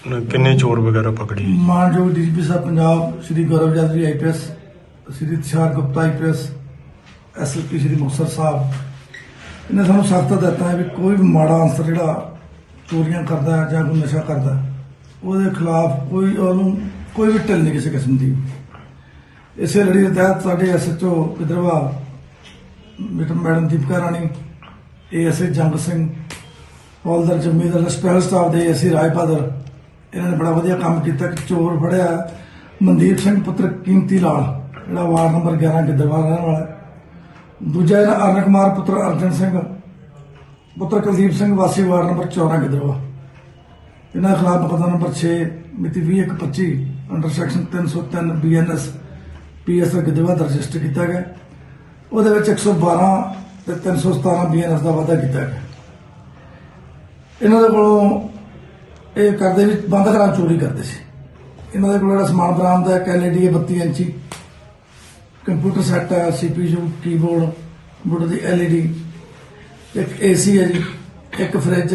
ਕਿੰਨੇ ਚੋਰ ਵਗੈਰਾ ਪਕੜੇ? ਮਾਨਯੋਗ DGP Sahib Punjab Shri Gaurav Yadav IPS, Shri Tushar Gupta IPS, SSP Shri Muktsar Sahib, ਇਹਨੇ ਸਾਨੂੰ ਸਖਤ ਹਦਾਇਤਾਂ ਹੈ ਵੀ ਕੋਈ ਵੀ ਮਾੜਾ ਅਨਸਰ ਜਿਹੜਾ ਚੋਰੀਆਂ ਕਰਦਾ ਹੈ ਜਾਂ ਕੋਈ ਨਸ਼ਾ ਕਰਦਾ ਹੈ, ਉਹਦੇ ਖਿਲਾਫ ਉਹਨੂੰ ਕੋਈ ਵੀ ਢਿੱਲ ਨਹੀਂ ਕਿਸੇ ਕਿਸਮ ਦੀ। ਇਸੇ ਲੜੀ ਦੇ ਤਹਿਤ ਸਾਡੇ SHO Gidderbaha madam Deepika Rani, ASI Jang Singh, ਹੌਲਦਾਰ ਜੰਮੀਦਾਰ, ਸਪੈਸ਼ਲ ਸਟਾਫ ਦੇ ਏਸੀ ਰਾਜ ਬਹਾਦਰ, ਇਹਨਾਂ ਨੇ ਬੜਾ ਵਧੀਆ ਕੰਮ ਕੀਤਾ ਕਿ ਚੋਰ ਫੜਿਆ ਮਨਦੀਪ ਸਿੰਘ ਪੁੱਤਰ ਕੀਮਤੀ ਲਾਲ, ਜਿਹੜਾ ਵਾਰਡ ਨੰਬਰ 11 ਗਿੱਦੜਬਾਹਾ ਰਹਿਣ ਵਾਲਾ ਹੈ। ਦੂਜਾ ਇਹਨਾਂ ਅਰਨ ਕੁਮਾਰ ਪੁੱਤਰ ਅਰਜਨ ਸਿੰਘ ਪੁੱਤਰ ਕੁਲਦੀਪ ਸਿੰਘ ਵਾਸੀ ਵਾਰਡ ਨੰਬਰ 14 ਗਿੱਦੜਬਾਹਾ। ਇਹਨਾਂ ਦੇ ਖਿਲਾਫ ਮੁਕੱਦਮਾ ਨੰਬਰ 6 ਮਿਤੀ 20/1/25 under section 303 BNS PSR Gidderbaha register ਕੀਤਾ ਗਿਆ। ਉਹਦੇ ਵਿੱਚ 112 ਤੇ 317 BNS ਦਾ ਵਾਅਦਾ ਕੀਤਾ ਗਿਆ। ਇਹਨਾਂ ਦੇ ਕੋਲੋਂ ਇਹ ਕਰਦੇ ਵੀ ਬੰਦ ਘਰਾਂ ਚੋਰੀ ਕਰਦੇ ਸੀ। ਇਹਨਾਂ ਦੇ ਕੋਲ ਜਿਹੜਾ ਸਮਾਨ ਬਰਾਮਦ ਹੈ, ਇੱਕ LED 32 ਇੰਚੀ ਕੰਪਿਊਟਰ ਸੈੱਟ ਹੈ, CPU, ਕੀਬੋਰਡ, ਕੰਪਿਊਟਰ ਦੀ LED, ਇੱਕ AC ਹੈ ਜੀ, ਇੱਕ ਫਰਿੱਜ,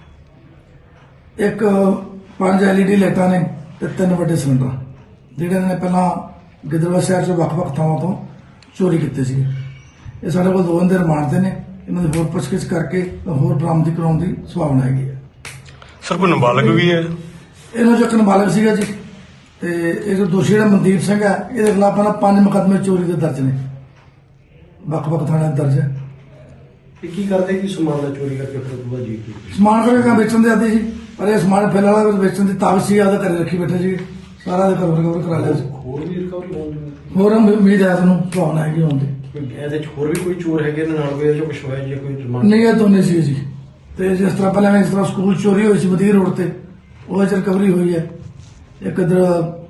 ਇੱਕ 5 LED ਲਾਈਟਾਂ ਨੇ ਤੇ 3 ਵੱਡੇ ਸਿਲੰਡਰ, ਜਿਹੜੇ ਇਹਨਾਂ ਨੇ ਪਹਿਲਾਂ ਗਿੱਦੜਬਾਹਾ ਸ਼ਹਿਰ 'ਚ ਵੱਖ-ਵੱਖ ਥਾਵਾਂ ਤੋਂ ਚੋਰੀ ਕੀਤੇ ਸੀ। ਇਹ ਸਾਡੇ ਕੋਲ 2 ਦਿਨ ਦੇ ਰਿਮਾਂਡ ਤੇ ਨੇ। ਇਹਨਾਂ ਦੀ ਹੋਰ ਪੁੱਛਗਿੱਛ ਕਰਕੇ ਹੋਰ ਬਰਾਮਦੀ ਕਰਾਉਣ ਦੀ ਸੰਭਾਵਨਾ ਹੈਗੀ ਹੈ। ਸਰ ਕੋਈ ਨਾਬਾਲਗ ਵੀ ਹੈ? ਇਹਨਾਂ 'ਚੋਂ ਇੱਕ ਨਾਬਾਲਗ ਸੀਗਾ ਜੀ, ਤੇ ਇਹ ਜੋ ਦੋਸ਼ੀ ਜਿਹੜਾ ਮਨਦੀਪ ਸਿੰਘ ਹੈ, ਇਹਦੇ ਖਿਲਾਫ ਪਹਿਲਾਂ 5 ਮੁਕੱਦਮੇ ਚੋਰੀ ਦੇ ਦਰਜ ਨੇ, ਵੱਖ-ਵੱਖ ਥਾਣਿਆਂ 'ਚ ਦਰਜ ਹੈ। ਇਹ ਕੀ ਕਰਦੇ ਕਿ ਸਮਾਨ ਦਾ ਚੋਰੀ ਕਰਕੇ ਫਿਰ ਦੂਆ ਜੀ ਸਮਾਨ ਕਰਕੇ ਵੇਚਣ ਦੇ ਆਦੀ ਸੀ, ਪਰ ਇਹ ਸਮਾਨ ਫਿਰ ਵਾਲਾ ਵੇਚਣ ਦੀ ਤਾਕਤ ਸੀ, ਆਪਦਾ ਘਰੇ ਰੱਖੀ ਬੈਠੇ ਸੀ। ਸਾਰਾ ਦੇ ਘਰ ਰਿਕਵਰ ਕਰਾ ਲਿਆ ਸੀ। ਹੋਰ ਵੀ ਰਿਕਵਰੀ ਹੋਣੀ? ਹੋਰ ਉਮੀਦ ਹੈ ਤੁਹਾਨੂੰ ਭਾਵਨਾ ਹੈਗੀ ਹੋਣ ਦੀ। ਇਹਦੇ 'ਚ ਹੋਰ ਵੀ ਕੋਈ ਚੋਰ ਹੈਗੇ ਨੇ ਨਾਲ ਕੋਈ, ਕੁਛ ਹੋਇਆ ਜੀ ਕੋਈ ਰਿਮਾਂਡ? ਨਹੀਂ, ਇਹ ਦੋਨੇ ਸੀ ਜੀ। ਤੇ ਜਿਸ ਤਰ੍ਹਾਂ ਪਹਿਲਾਂ ਇਸ ਤਰ੍ਹਾਂ ਸਕੂਲ ਚੋਰੀ ਹੋਈ ਸੀ ਮਦੀਰ ਰੋਡ ਤੇ, ਉਹ 'ਚ ਰਿਕਵਰੀ ਹੋਈ ਹੈ। ਇੱਕ ਇੱਧਰ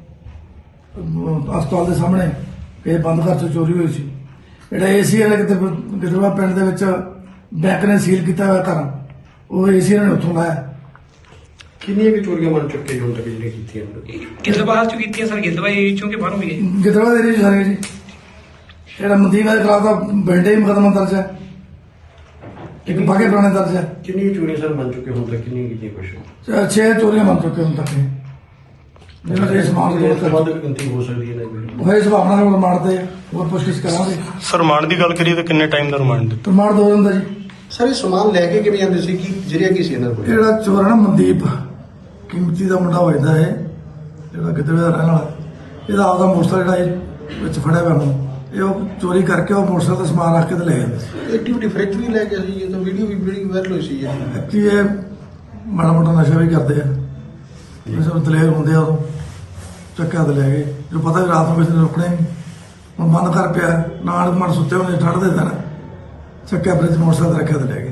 ਹਸਪਤਾਲ ਦੇ ਸਾਹਮਣੇ ਇਹ ਬੰਦ ਘਰ 'ਚ ਚੋਰੀ ਹੋਈ ਸੀ। ਜਿਹੜਾ AC ਵਾਲੇ ਕਿਤੇ ਗਿੱਦੜਬਾਹਾ ਪਿੰਡ ਦੇ ਵਿੱਚ ਬੈਂਕ ਨੇ ਸੀਲ ਕੀਤਾ ਹੋਇਆ ਘਰ, ਉਹ AC ਇਹਨਾਂ ਨੇ ਉੱਥੋਂ ਲਾਇਆ। ਕਿੰਨੀਆਂ ਕਿ ਚੋਰੀਆਂ ਬਣ ਚੁੱਕੇ ਹੁਣ ਤੱਕ ਜਿਹੜੀਆਂ ਕੀਤੀਆਂ? ਗਿੱਦੜਬਾਹਾ ਚ ਕੀਤੀਆਂ ਸਰ, ਗਿੱਦੜਬਾਹਾ ਏਰੀਆ ਚੋਂ ਕਿ ਬਾਹਰੋਂ ਵੀ ਹੈ? ਗਿੱਦੜਬਾਹਾ ਦੇ ਏਰੀਆ 'ਚ ਸਾਰੇ ਜੀ। ਜਿਹੜਾ ਮਨਦੀਪ ਦੇ ਖਿਲਾਫ ਦਾ ਬੈਂਡੇ ਹੀ ਮੁਕੱਦਮਾ ਦਰਜ ਹੈ, ਇੱਕ ਬਾਗੇ ਪੁਰਾਣੇ ਦਰਜ ਹੈ। ਕਿੰਨੀਆਂ ਚੋਰੀਆਂ ਸਰ ਬਣ ਚੁੱਕੇ ਹੁਣ ਤੱਕ, ਕਿੰਨੀਆਂ ਕੀਤੀਆਂ ਕੁਛ? 6 ਚੋਰੀਆਂ ਬਣ ਚੁੱਕੀਆਂ ਹੁਣ ਤੱਕ। ਜਿਹਨਾਂ ਦੇ ਸਮਾਨ ਇਸ ਤੋਂ ਵੱਧ ਵੀ ਗਿਣਤੀ ਹੋ ਸਕਦੀ ਹੈ ਨਾ? ਹੋਏ ਸੁਭਾਵਨਾ ਨਾਲ ਰਿਮਾਂਡ ਤੇ ਹੋਰ ਪੁੱਛਗਿੱਛ ਕਰਾਂਗੇ। ਸਰ ਰਿਮਾਂਡ ਦੀ ਗੱਲ ਕਰੀਏ ਤਾਂ ਕਿੰਨੇ ਟਾਈਮ ਦਾ ਰਿਮਾਂਡ ਦਿੱਤਾ? ਰਿਮਾਂਡ 2 ਦਿਨ ਦਾ ਜੀ। ਸਰ ਇਹ ਸਮਾਨ ਲੈ ਕੇ ਕਿਵੇਂ ਜਾਂਦੇ ਸੀ, ਕੀ ਜਰੀਆ ਕੀ ਸੀ ਇਹਨਾਂ ਕੋਲ? ਜਿਹੜਾ ਚੋਰ ਹੈ ਨਾ ਮਨਦੀਪ ਕੀਮਤੀ ਦਾ ਮੁੰਡਾ ਹੋਇਦਾ ਹੈ, ਜਿਹੜਾ ਗਿੱਦੜਬਾਹਾ ਦਾ ਰਹਿਣ ਵਾਲਾ, ਇਹਦਾ ਆਪਦਾ ਮੋਟਰਸਾਈਕਲ ਜਿਹੜਾ ਇਹ ਵਿੱਚ ਫੜਿਆ ਹੋਇਆ ਨੂੰ, ਇਹ ਉਹ ਚੋਰੀ ਕਰਕੇ ਉਹ ਮੋਟਰਸਾਈਕਲ ਦਾ ਸਮਾਨ ਰੱਖ ਕੇ ਤੇ ਲੈ ਜਾਂਦੇ ਸੀ। ਐਕਟੀਵਿਟੀ ਫ੍ਰਿਜ ਵੀ ਲੈ ਗਿਆ ਸੀ, ਇਹ ਤਾਂ ਵੀਡੀਓ ਵੀ ਬੜੀ ਵਾਇਰਲ ਹੋਈ ਸੀ। ਕਿ ਇਹ ਮਾੜਾ ਮੋਟਾ ਨਸ਼ਾ ਵੀ ਕਰਦੇ ਆ, ਨਸ਼ਾ ਦਲੇਰ ਹੁੰਦੇ ਆ, ਉਦੋਂ ਚੱਕਿਆ ਤੇ ਲੈ ਗਏ। ਜੋ ਪਤਾ ਵੀ ਰਾਤ ਨੂੰ ਕਿਸੇ ਨੇ ਰੁਕਣਾ ਨਹੀਂ, ਹੁਣ ਬੰਦ ਕਰ ਪਿਆ, ਨਾਲ ਮਨ ਸੁੱਤੇ ਹੋਣੇ ਠੰਡ ਦੇ ਦਿਨ, ਚੱਕਿਆ ਫ੍ਰਿਜ ਮੋਟਰਸਾਈਕਲ ਰੱਖਿਆ ਤੇ ਲੈ ਗਏ।